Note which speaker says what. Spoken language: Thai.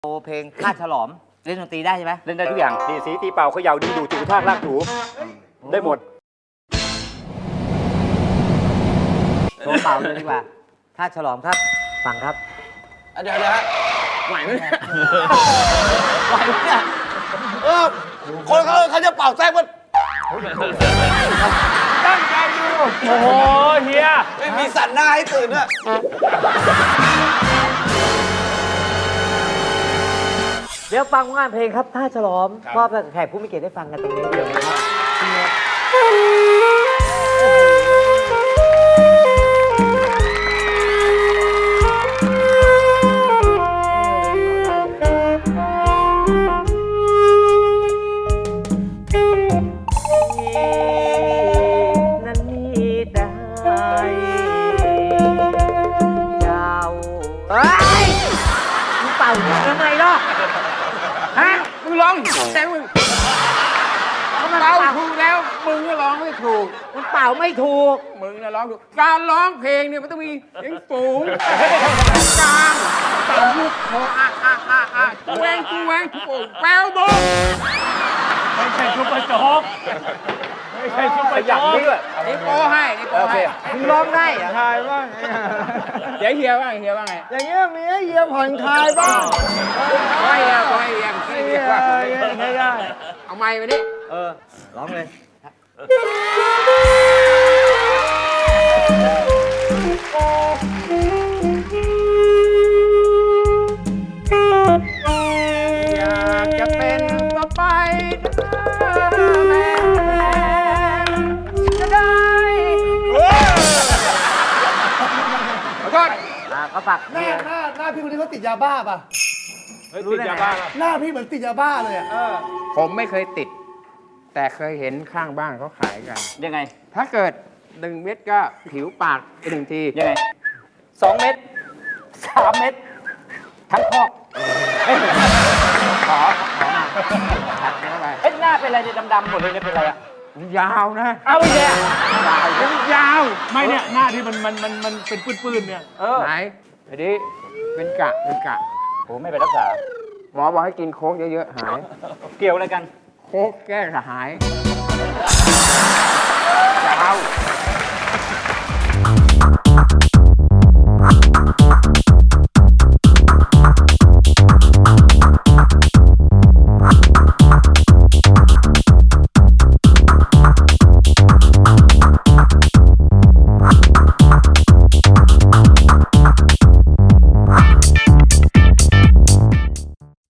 Speaker 1: โอเพลงข้าฉลอมเล่นดนตรีได้ใช่ไหม
Speaker 2: เล่นได้ทุกอย่างตีสีตีเป่าเขย่าดึงดูดจูท่ากลากถูได้หมด
Speaker 1: โชว์เป่าเลยดีกว่าข้าฉลอมครับฟังครับ
Speaker 3: เดี๋ยวฮะไหวไหมเนี่ย
Speaker 1: ไหวไหมเนี่ย
Speaker 3: คนเขาจะเป่าแซกมัน
Speaker 2: ตั้งใจดูโอ้โหเฮีย
Speaker 3: ไม่มีสั่นหน้าให้ตื่นด้วย
Speaker 1: เดี๋ยวฟังงานเพลงครับท่าฉลอมมอบให้แขกผู้มีเกียรติได้ฟังกันตรงนี้เดี๋ยวนะครับนั้นมีแต่เจ้าเฮ้ยมึงเป่าทำไมล่ะ
Speaker 4: ฮะมึงร้องแต่มึงเราถูกแล้วมึงก็ร้องไม่ถูก
Speaker 1: มันเป่าไม่ถูก
Speaker 4: มึงน่ะร้องถูกการร้องเพลงเนี่ยมันต้องมีเสียงสูงกลางต่ำลูกคอแหวงโป่งแววโบก
Speaker 2: ไม่ใช่ซุปเปอร์โจ๊กไม่ใช่ซุปเปอร์โจ๊กนี่ด้วย
Speaker 4: นี่โป้ให้นี่โป้
Speaker 2: โอเค
Speaker 4: ให้
Speaker 1: มึงร้องได้เหรอ
Speaker 3: คลายบ้าง
Speaker 4: เดี๋ยวเฮียว่าไง
Speaker 3: อย่างเงี้ยมีให้เยียผ่อนคลายบ้าง
Speaker 4: โป้ให้เฮียไม่ได้ว่า
Speaker 3: ไม่ได้
Speaker 4: เอาไม้ไปนี่
Speaker 1: ร้องเลย
Speaker 4: อยากจะเป็นต่อไปแม่จะได้ขอโทษ
Speaker 1: ก็ฝาก
Speaker 5: หน้าพี่คนนี้เขาติดยาบ้าป่ะ
Speaker 2: เฮ้ยติดยาบ้า
Speaker 5: หน้าพี่เหมือนติดยาบ้าเลยอ่ะ
Speaker 4: ผมไม่เคยติด แต่เคยเห็นข้างบ้านเขาขายกัน
Speaker 2: ยังไง
Speaker 4: ถ้าเกิด1 เม็ดก็ผิวปากไป1 ที
Speaker 2: ยังไง2 เม็ด3 เม็ดทั้งคอก
Speaker 4: ขอมาถัดเข้าไป
Speaker 2: เอ้ยหน้าเป็นอะไรเนี่ยดำๆหมดเลยเนี่ยเป็นอะไรอ่ะ
Speaker 4: ยาวนะ
Speaker 2: เอาอีกแล้ว
Speaker 4: ยาว
Speaker 6: ไม่เนี่ยหน้าที่มันเป็นปื้นๆเนี่ย
Speaker 2: เออ
Speaker 4: ไหนทีนี้เป็นกะ
Speaker 2: โอ้ไม่ไปรักษา
Speaker 4: หมอบอกให้กินโค้กเยอะๆหาย
Speaker 2: เกี่ยวอะไรกัน
Speaker 4: โค้กแก้กระหายยาว